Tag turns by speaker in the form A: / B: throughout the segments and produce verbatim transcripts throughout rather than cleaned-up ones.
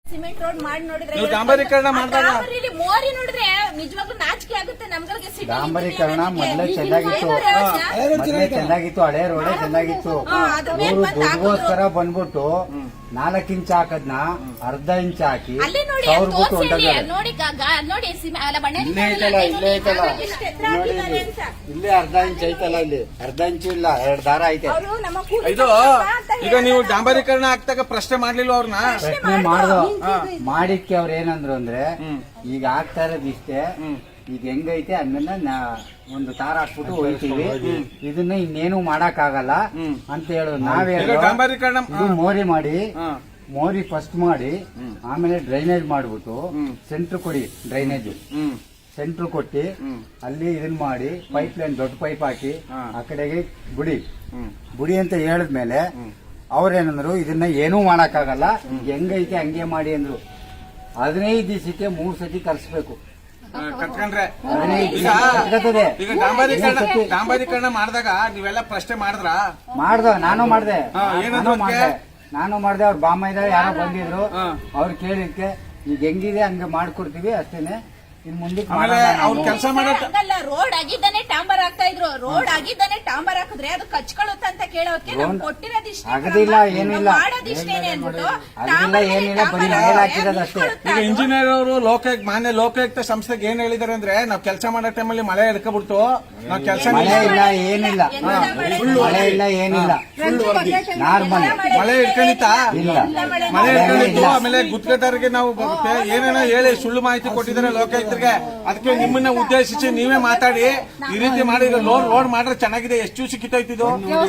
A: Cement road ಮಾಡಿ ನೋಡಿದ್ರೆ
B: ಡಾಂಬರೀಕರಣ ಮಾಡಿದಾಗ
A: ಮೋರಿ ನೋಡಿದ್ರೆ ನಿಜವಾಗ್ಲೂ ನಾಚಿಕೆ ಆಗುತ್ತೆ ನಮ್ಗಳಿಗೆ.
C: ಡಾಂಬರೀಕರಣ ಮೊದಲೇ ಚೆನ್ನಾಗಿತ್ತು, ಮೊದಲೇ ಚೆನ್ನಾಗಿತ್ತು, ಹಳೆ ರೋಡೇ ಚೆನ್ನಾಗಿತ್ತು. ದುಡ್ಗೋಸ್ಕರ ಬಂದ್ಬಿಟ್ಟು ನಾಲ್ಕು ಇಂಚ್ ಹಾಕದ್ನ ಅರ್ಧ ಇಂಚ್ ಹಾಕಿ ಸಾವಿರ ಬಿಟ್ಟು ಹೊಂಟಾಗ
A: ನೋಡಿ ನೋಡಿ
C: ಇಲ್ಲೇ ಐತಲ್ಲ ಇಲ್ಲೇ ಐತಲ್ಲ ನೋಡಿ ಇಲ್ಲೇ ಅರ್ಧ ಇಂಚ್ ಐತಲ್ಲ, ಇಲ್ಲಿ ಅರ್ಧ ಇಂಚ್ ಇಲ್ಲ, ಎರಡ್ ದಾರ ಐತೆ.
B: ಇದು ಈಗ ನೀವು ಡಾಂಬರೀಕರಣ ಆಗ್ತಾಗ ಪ್ರಶ್ನೆ ಮಾಡ್ಲಿಲ್ಲ ಅವ್ರನ್ನ?
C: ಪ್ರಶ್ನೆ ಮಾಡ್ದೋ ಮಾಡಿಕ್ಕೆ ಅವ್ರ ಏನಂದ್ರು ಅಂದ್ರೆ ಈಗ ಆಗ್ತಾ ಇರೋದು ಇಷ್ಟೇ, ಈಗ ಹೆಂಗೈತೆ ಅದನ್ನ ಒಂದು ತಾರ ಹಾಕ್ಬಿಟ್ಟು ಹೋಗ್ತೀವಿ, ಇದನ್ನ ಇನ್ನೇನು ಮಾಡಕ್ ಆಗಲ್ಲ ಅಂತ ಹೇಳೋದು. ನಾವೇ
B: ಡಾಂಬರೀಕರಣ
C: ಮೋರಿ ಮಾಡಿ ಮೋರಿ ಫಸ್ಟ್ ಮಾಡಿ ಆಮೇಲೆ ಡ್ರೈನೇಜ್ ಮಾಡ್ಬಿಟ್ಟು ಸೆಂಟ್ರ್ ಕೊಡಿ, ಡ್ರೈನೇಜ್ ಸೆಂಟ್ರ್ ಕೊಟ್ಟಿ ಅಲ್ಲಿ ಇದನ್ ಮಾಡಿ ಪೈಪ್ ಲೈನ್ ದೊಡ್ಡ ಪೈಪ್ ಹಾಕಿ ಆ ಕಡೆಗೆ ಬುಡಿ ಬುಡಿ ಅಂತ ಹೇಳಿದ್ಮೇಲೆ ಅವ್ರೇನಂದ್ರು ಇದನ್ನ ಏನೂ ಮಾಡಕ್ಕಾಗಲ್ಲ, ಹೆಂಗೈತೆ ಹಂಗೆ ಮಾಡಿ ಅಂದ್ರು. ಹದಿನೈದು ದಿವಸಕ್ಕೆ ಮೂರ್ ಸತಿ ಕರ್ಸ್ಬೇಕು.
B: ಕಟ್ಕೊಂಡ್ರೆ
C: ಹದಿನೈದು
B: ಈಗ ಡಾಂಬರೀಕರಣ ಡಾಂಬರೀಕರಣ ಮಾಡಿದಾಗ ನೀವೆಲ್ಲ ಪ್ರಶ್ನೆ ಮಾಡಿದ್ರ?
C: ಮಾಡ್ದ, ನಾನು ಮಾಡ್ದೆ ನಾನು ಮಾಡ್ದೆ ನಾನು ಮಾಡ್ದೆ ಅವ್ರ ಬಾಮ ಇದ್ದಾರೆ ಯಾರೋ ಬಂದಿದ್ರು, ಅವ್ರು ಕೇಳಿದ್ಕೆ ಈಗ ಹೆಂಗಿದೆ ಹಂಗೆ ಮಾಡ್ಕೊಡ್ತೀವಿ ಅಷ್ಟೇನೆ, ಇನ್ ಮುಂದಕ್ಕೆ
B: ಅವ್ರು ಕೆಲಸ ಮಾಡಲ್ಲ.
A: ರೋಡ್ ಆಗಿದ್ದಾನೆ ಟಾಂಬರ್ ಹಾಕ್ತಾ ಇದ್ರು, ರೋಡ್ ಆಗಿದ್ದಾನೆ ಟಾಂಬರ್ ಹಾಕಿದ್ರೆ ಅದು ಕಚ್ಕೊಳ್ಳುತ್ತ ಅಂತ ಕೇಳೋಕೆ ನಾವು ಕೊಟ್ಟಿರೋದಿಷ್ಟೇ,
C: ಆಗದಿಲ್ಲ ಏನಿಲ್ಲ
A: ಮಾಡೋದಿಷ್ಟೇನೆ ಅಂದ್ಬಿಟ್ಟು
C: ಅದೆಲ್ಲ ಏನಿಲ್ಲ, ಬರೀ ಮೇಲ್ ಹಾಕಿರೋದಷ್ಟೇ.
B: ಈಗ ಇಂಜಿನಿಯರ್ ಅವರು ಲೋಕಾಯುಕ್ತ ಮಾನ್ಯ ಲೋಕಾಯುಕ್ತ ಸಂಸ್ಥೆಗೆ ಏನ್ ಹೇಳಿದಾರೆ ಅಂದ್ರೆ, ನಾವ್ ಕೆಲಸ ಮಾಡೋ ಟೈಮಲ್ಲಿ ಮಳೆ ಎಳ್ಕೊಬಿಡ್ತು, ನಾವ್ ಕೆಲಸ
C: ಮಳೆ ಇಲ್ಲ ಏನಿಲ್ಲ, ಮಳೆ ಇಲ್ಲ ಏನಿಲ್ಲ, ನಾರ್ಮಲ್
B: ಮಳೆ ಇಟ್ಕೊಂಡಿತ್ತ
C: ಇಲ್ಲ,
B: ಮಳೆ ಇಟ್ಕೊಂಡಿತ್ತು. ಆಮೇಲೆ ಗುತ್ತಿಗೆದಾರರಿಗೆ ನಾವು ಏನೇನೋ ಹೇಳಿ ಸುಳ್ಳು ಮಾಹಿತಿ ಕೊಟ್ಟಿದ್ದಾರೆ ಲೋಕಾಯುಕ್ತರಿಗೆ, ಅದಕ್ಕೆ ನಿಮ್ಮನ್ನ ಉದ್ದೇಶಿಸಿ ನೀವೇ ಮಾತಾಡಿ ಈ ರೀತಿ ಮಾಡಿ ಲೋನ್ ರೋಡ್ ಮಾಡ್ರೆ ಚೆನ್ನಾಗಿದೆ. ಎಷ್ಟು ದಿವಸ ಕಿತ್ತೋಯ್ತಿದ್ದು?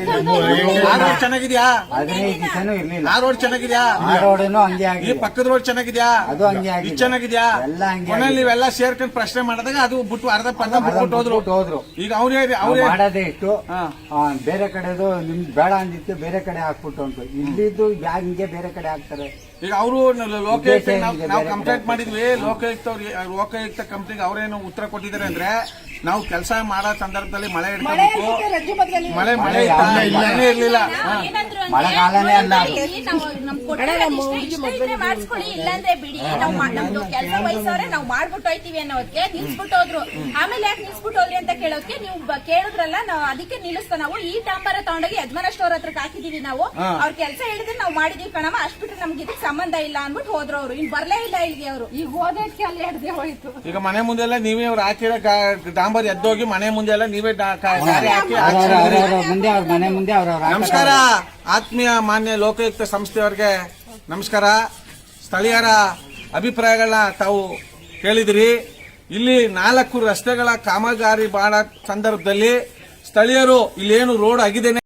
B: ಆ ರೋಡ್ ಚೆನ್ನಾಗಿದ್ಯಾ?
C: ಹದಿನೈದು ದಿವಸನೂ ಇರ್ಲಿಲ್ಲ.
B: ಆ ರೋಡ್ ಚೆನ್ನಾಗಿದ್ಯಾ?
C: ಆ ರೋಡನು ಹಂಗೆ
B: ಈ
C: ಆಗಿದೆ,
B: ಪಕ್ಕದ ರೋಡ್ ಚೆನ್ನಾಗಿದ್ಯಾ?
C: ಅದು ಹಂಗೆ ಆಗಿದೆ,
B: ಇದು ಚೆನ್ನಾಗಿದ್ಯಾ?
C: ಎಲ್ಲ ಹಂಗೆ
B: ಕೊನೆಯಲ್ಲಿ ನೀವೆಲ್ಲ ಸೇರ್ಕೊಂಡು ಪ್ರಶ್ನೆ ಮಾಡಿದಾಗ ಅದು ಬಿಟ್ಟು ಅರ್ಧ ಪರ್ಧ ಬಿಟ್ಬಿಟ್ಟು ಹೋದ್ರು
C: ಹೋದ್ರು.
B: ಈಗ ಅವ್ರೇ ಅವ್ರೇ
C: ಮಾಡೋದೇ ಇಟ್ಟು ಬೇರೆ ಕಡೆದು ನಿಮ್ಗೆ ಬೇಡ ಅಂದಿತ್ತು ಬೇರೆ ಕಡೆ ಹಾಕ್ಬಿಟ್ಟು ಅಂತ, ಇಲ್ಲಿದ್ದು ಹಿಂಗೆ ಬೇರೆ ಕಡೆ ಹಾಕ್ತಾರೆ.
B: ಈಗ ಅವರು ಲೋಕಾಯುಕ್ತ ನಾವು ಕಂಪ್ಲೇಂಟ್ ಮಾಡಿದ್ವಿ, ಲೋಕಾಯುಕ್ತ ಲೋಕಾಯುಕ್ತ ಕಂಪ್ನಿಗೆ ಅವರೇನು ಉತ್ತರ ಕೊಟ್ಟಿದ್ದಾರೆ ಅಂದ್ರೆ, ನಾವು ಕೆಲಸ ಮಾಡೋ ಸಂದರ್ಭದಲ್ಲಿ ಮಳೆ ಇಡ್ಬೇಕು, ಮಳೆ ಮಳೆ ಇರ್ಲಿಲ್ಲ,
C: ಮಳೆಗಾಲನೇ ಅಲ್ಲ,
A: ಮಾಡಿಸ್ಕೊಳ್ಳಿ ಇಲ್ಲಾಂದ್ರೆ ಬಿಡಿ, ನಾವು ನಮ್ದು ಕೆಲಸ ವಹಿಸೋರೆ ನಾವು ಮಾಡ್ಬಿಟ್ಟು ಹೋಯ್ತಿವಿ ಅನ್ನೋದಕ್ಕೆ ನಿಲ್ಸ್ಬಿಟ್ಟು ಹೋದ್ರು. ಆಮೇಲೆ ಯಾಕೆ ನಿಲ್ಸ್ಬಿಟ್ಟು ಹೋದ್ರಿ ಅಂತ ಕೇಳೋಕೆ ನೀವು ಕೇಳಿದ್ರಲ್ಲ, ನಾವು ಅದಕ್ಕೆ ನಿಲ್ಲಿಸ್ತಾ ನಾವು ಈ ಟಾಂಬರ ತಗೊಂಡೋಗಿ ಯಜಮಾನ ಸ್ಟೋರ್ ಹತ್ರಕ್ಕೆ ಹಾಕಿದೀವಿ. ನಾವು ಅವ್ರ ಕೆಲಸ ಹೇಳಿದ್ರೆ ನಾವು ಮಾಡಿದೀವಿ ಕಣಮ್ಮ, ಅಷ್ಟ್ ಬಿಟ್ರೆ ನಮ್ಗೆ ಇದಕ್ಕೆ ಸಂಬಂಧ ಇಲ್ಲ ಅಂದ್ಬಿಟ್ಟು ಹೋದ್ರು. ಅವ್ರು ಇನ್ ಬರ್ಲೇ ಇಲ್ಲ ಇಲ್ಲಿಗೆ, ಅವರು ಈಗ ಹೋದಕ್ಕೆ ಅಲ್ಲಿ ಹಿಡ್ದೆ ಹೋಯ್ತು.
B: ಈಗ ಮನೆ ಮುಂದೆ ಎಲ್ಲ ನೀವೇ ಅವ್ರು ಹಾಕಿರೋ ಡಾಂಬರ್ ಎದ್ದೋಗಿ ಮನೆ ಮುಂದೆ ಎಲ್ಲ ನೀವೇ
C: ಮುಂದೆ ಅವ್ರ ಮನೆ ಮುಂದೆ ಅವ್ರ.
B: ನಮಸ್ಕಾರ ಆತ್ಮೀಯ ಮಾನ್ಯ ಲೋಕಾಯುಕ್ತ ಸಂಸ್ಥೆಯವರಿಗೆ ನಮಸ್ಕಾರ. ಸ್ಥಳೀಯರ ಅಭಿಪ್ರಾಯಗಳನ್ನ ತಾವು ಕೇಳಿದಿರಿ. ಇಲ್ಲಿ ನಾಲ್ಕು ರಸ್ತೆಗಳ ಕಾಮಗಾರಿ ಮಾಡೋ ಸಂದರ್ಭದಲ್ಲಿ ಸ್ಥಳೀಯರು ಇಲ್ಲೇನು ರೋಡ್ ಆಗಿದ್ದೇನೆ